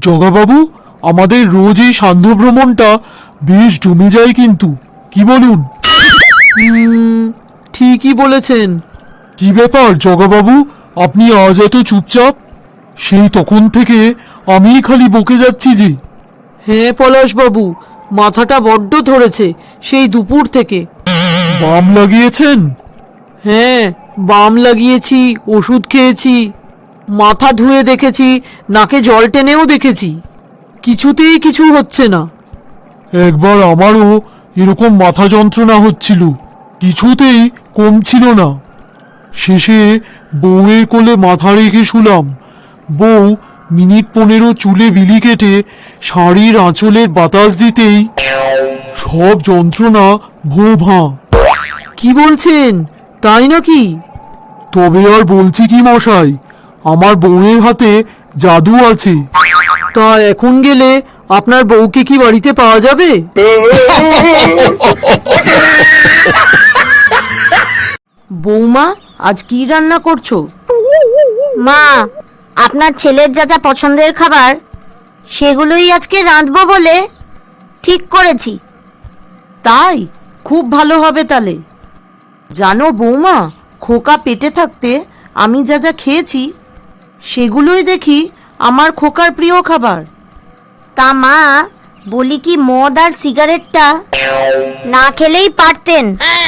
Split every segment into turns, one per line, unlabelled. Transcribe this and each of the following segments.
জগাবাবু, আমাদের রোজ এই সান্ধ্য ভ্রমণটা বেশ জমে যায় কিন্তু, কি বলুন?
ঠিকই বলেছেন।
কি ব্যাপার জগাবাবু, আপনি আজ এত চুপচাপ? সেই তখন থেকে আমিই খালি বকে যাচ্ছি যে।
হ্যাঁ পলাশবাবু, মাথাটা বড্ড ধরেছে সেই দুপুর থেকে।
বাম লাগিয়েছেন?
হ্যাঁ, বাম লাগিয়েছি, ওষুধ খেয়েছি, মাথা ধুয়ে দেখেছি, নাকে জল টেনেও দেখেছি, কিছুতেই কিছু হচ্ছে না।
একবার আমারও এরকম মাথা যন্ত্রণা হচ্ছিল, কিছুতেই কমছিল না। শেষে বউয়ের কোলে মাথা রেখে শুলাম। বউ মিনিট 15 চুলে বিলি কেটে শাড়ির আঁচলের বাতাস দিতেই সব যন্ত্রণা ভোঁ ভাঁ।
কি বলছেন, তাই নাকি?
তবে আর বলছি কি মশাই, আমার বউয়ের হাতে জাদু আছে।
তা এখন গেলে আপনার বউকে কি বাড়িতে পাওয়া যাবে? বৌমা, আজ কি রান্না করছো?
মা, আপনার ছেলের যা যা পছন্দের খাবার সেগুলোই আজকে রাঁধবো বলে ঠিক করেছি।
তাই খুব ভালো হবে তাহলে। জানো বৌমা, খোকা পেটে থাকতে আমি যা যা খেয়েছি সেগুলোই দেখি আমার খোকার প্রিয় খাবার।
তা মা, বলি কি মদ আর সিগারেটটা না খেলেই পারতেন।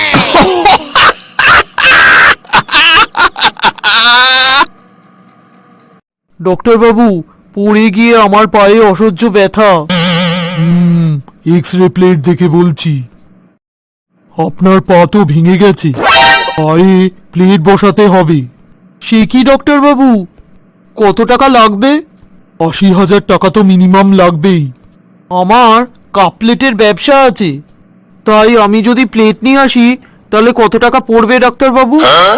ডক্টর বাবু, পড়ে গিয়ে আমার পায়ে অসহ্য ব্যথা।
এক্স রে প্লেট দেখে বলছি, আপনার পা তো ভেঙে গেছে, পায়ে প্লেট বসাতে হবে।
সে কি ডক্টর বাবু, কত টাকা লাগবে?
80,000 টাকা তো মিনিমাম লাগবেই।
আমার কাপ প্লেটের ব্যবসা আছে, তাই আমি যদি প্লেট নিয়ে আসি তাহলে কত টাকা পড়বে ডাক্তার বাবু?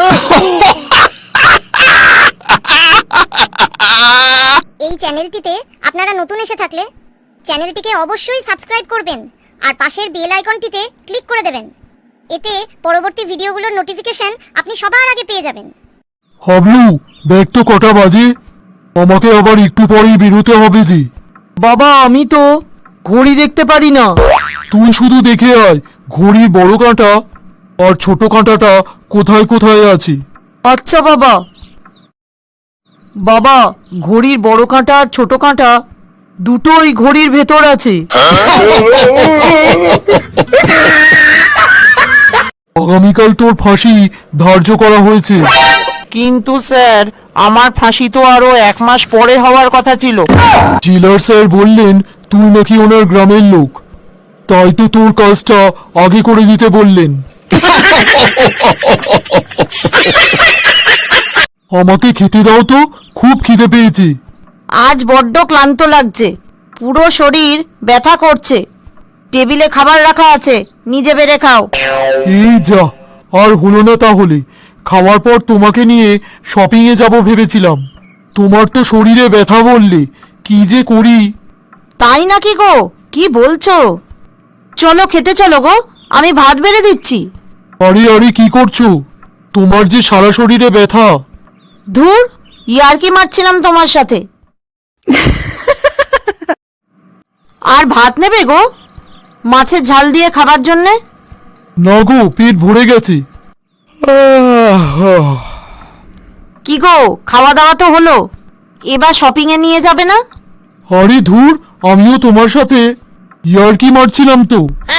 এই চ্যানেলটিতে আপনারা নতুন এসে থাকলে চ্যানেলটিকে অবশ্যই সাবস্ক্রাইব করবেন আর পাশের বেল আইকনটিতে ক্লিক করে দেবেন। এতে পরবর্তী ভিডিওগুলোর নোটিফিকেশন আপনি সবার আগে পেয়ে যাবেন।
হাবলু, দেখ তো কটা বাজে, আমাকে আবার একটু পরেই বেরোতে হবে যে।
বাবা, আমি তো ঘড়ি দেখতে পারি না।
তুই শুধু দেখে আয় ঘড়ির বড় কাঁটা আর ছোট কাঁটাটা কোথায় কোথায় আছে।
আচ্ছা বাবা। বাবা, ঘড়ির বড় কাঁটা আর ছোট কাঁটা দুটোই ঘড়ির ভেতর আছে।
আগামীকাল তোর ফাঁসি ধার্য করা হয়েছে।
কিন্তু স্যার, আমার ফাঁসি তো আরো 1 মাস পরে হওয়ার কথা ছিল।
জেলার স্যার বললেন তুই নাকি ওনার গ্রামের লোক, তাই তো তোর কাজটা আগে করে দিতে বললেন। আমাকে খেতে দাও তো, খুব খিদে পেয়েছে।
আজ বড্ড ক্লান্ত লাগছে, পুরো শরীর ব্যথা করছে। টেবিলে খাবার রাখা আছে, নিজে বেড়ে খাও।
এই যা, আর হলো না তাহলে। খাওয়ার পর তোমাকে নিয়ে শপিংয়ে যাব ভেবেছিলাম, তোমার তো শরীরে ব্যথা বললে, কি যে করি।
তাই নাকি গো, কি বলছো? চলো খেতে চলো গো, আমি ভাত বেড়ে দিচ্ছি।
আরে আরে, কি করছো? তোমার যে সারা শরীরে ব্যথা।
ধুর, ইয়ার্কি মারছিলাম তোমার সাথে। আর ভাত নেবে গো, মাছের ঝাল দিয়ে খাবার জন্যে?
না গো, পেট ভরে গেছে।
কি গো, খাওয়া দাওয়া তো হলো, এবার শপিং এ নিয়ে যাবে না?
আরে ধুর, আমিও তোমার সাথে ইয়ার্কি মারছিলাম তো।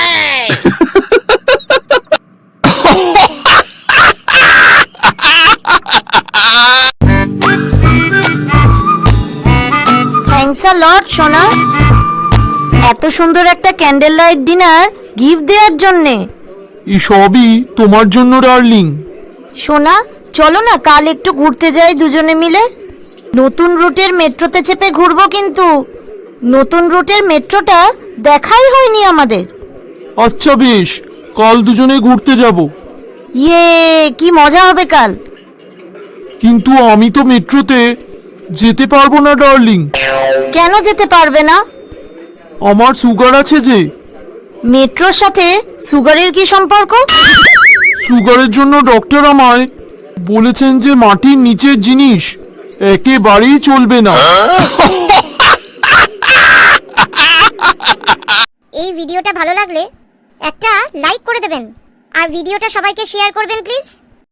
থ্যাঙ্কস আ লট সোনা, এত সুন্দর একটা ক্যান্ডেল লাইট ডিনার গিফট দেওয়ার জন্যে।
এসবই তোমার জন্য ডার্লিং।
সোনা, চলো না কাল একটু ঘুরতে যাই দুজনে মিলে। নতুন রুটের মেট্রোতে চেপে ঘুরবো, কিন্তু নতুন রুটের মেট্রোটা দেখাই হয়নি আমাদের।
আচ্ছা বেশ, কাল দুজনে ঘুরতে যাব।
ইয়ে, কি মজা হবে কাল।
কিন্তু আমি তো মেট্রোতে যেতে পারবো না ডার্লিং।
কেন যেতে পারবে না?
আমার সুগার আছে যে।
মেট্রোর সাথে সুগারের কি সম্পর্ক?
সুগারের জন্য ডক্টর আমায় বলেছেন যে মাটির নিচের জিনিস একেবারেই চলবে না।
একটা লাইক করে দেবেন আর ভিডিওটা সবাইকে শেয়ার করবেন প্লিজ।